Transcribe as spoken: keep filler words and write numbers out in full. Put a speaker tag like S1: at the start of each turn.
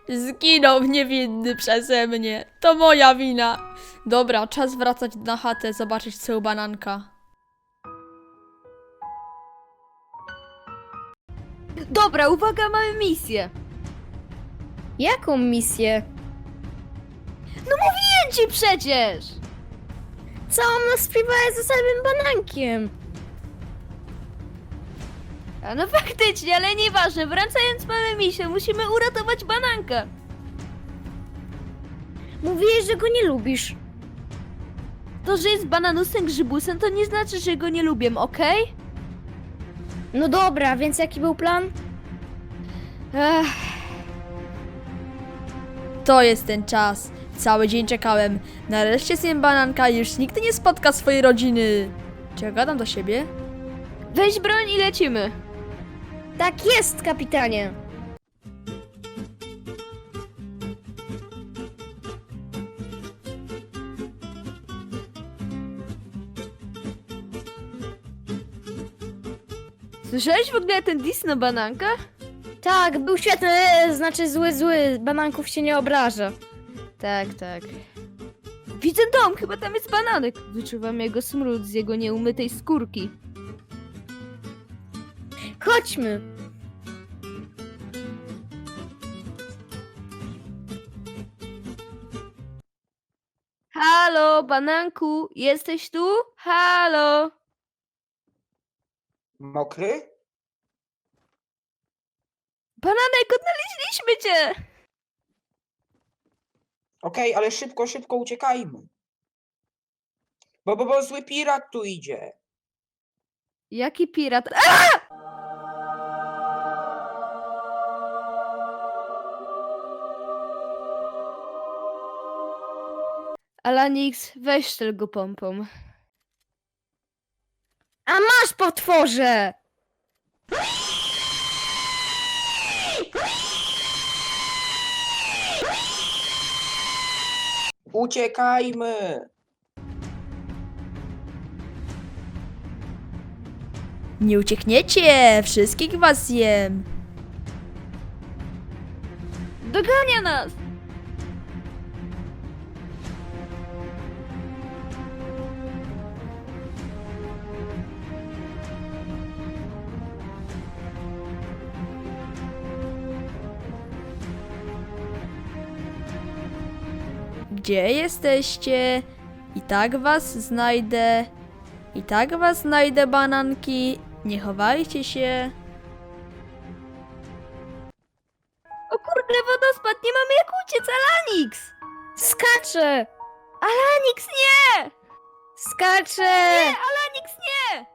S1: Zginął niewinny przeze mnie. To moja wina. Dobra, czas wracać na chatę, zobaczyć co u bananka.
S2: Dobra, uwaga, mamy misję.
S3: Jaką misję?
S2: Mówiłem ci przecież!
S3: Całą nas spróbowałeś ze samym banankiem.
S2: A no faktycznie, ale nieważne. Wracając, mamy misję. Musimy uratować bananka.
S3: Mówiłeś, że go nie lubisz.
S2: To, że jest bananusem grzybusem, to nie znaczy, że go nie lubię, okej?
S3: No dobra, więc jaki był plan?
S2: Ech,
S1: To jest ten czas. Cały dzień czekałem. Nareszcie zjem bananka i już nigdy nie spotka swojej rodziny. Czy ja gadam do siebie?
S2: weź broń i lecimy.
S3: Tak jest, kapitanie.
S2: Słyszałeś w ogóle ten dis na bananka?
S3: Tak, był świetny, znaczy zły, zły. Bananków się nie obraża.
S2: Tak, tak. Widzę dom, chyba tam jest bananek. Wyczuwam jego smród z jego nieumytej skórki.
S3: Chodźmy.
S2: Halo, bananku, jesteś tu? Halo!
S4: Mokry?
S2: Bananek, odnaleźliśmy cię!
S4: Okej, ale szybko, szybko uciekajmy. Bo, bo, bo zły pirat tu idzie.
S2: Jaki pirat? A! Alanix, weź strzel go pompą.
S3: A masz, potworze!
S4: Uciekajmy!
S1: Nie uciekniecie! Wszystkich was zjem!
S2: Dogania nas!
S1: Gdzie jesteście? I tak was znajdę. I tak was znajdę, bananki. Nie chowajcie się.
S2: O kurde, wodospad, nie mamy jak uciec, Alanix!
S3: Skacze!
S2: Alanix, nie!
S3: Skacze!
S2: Nie, Alanix, nie!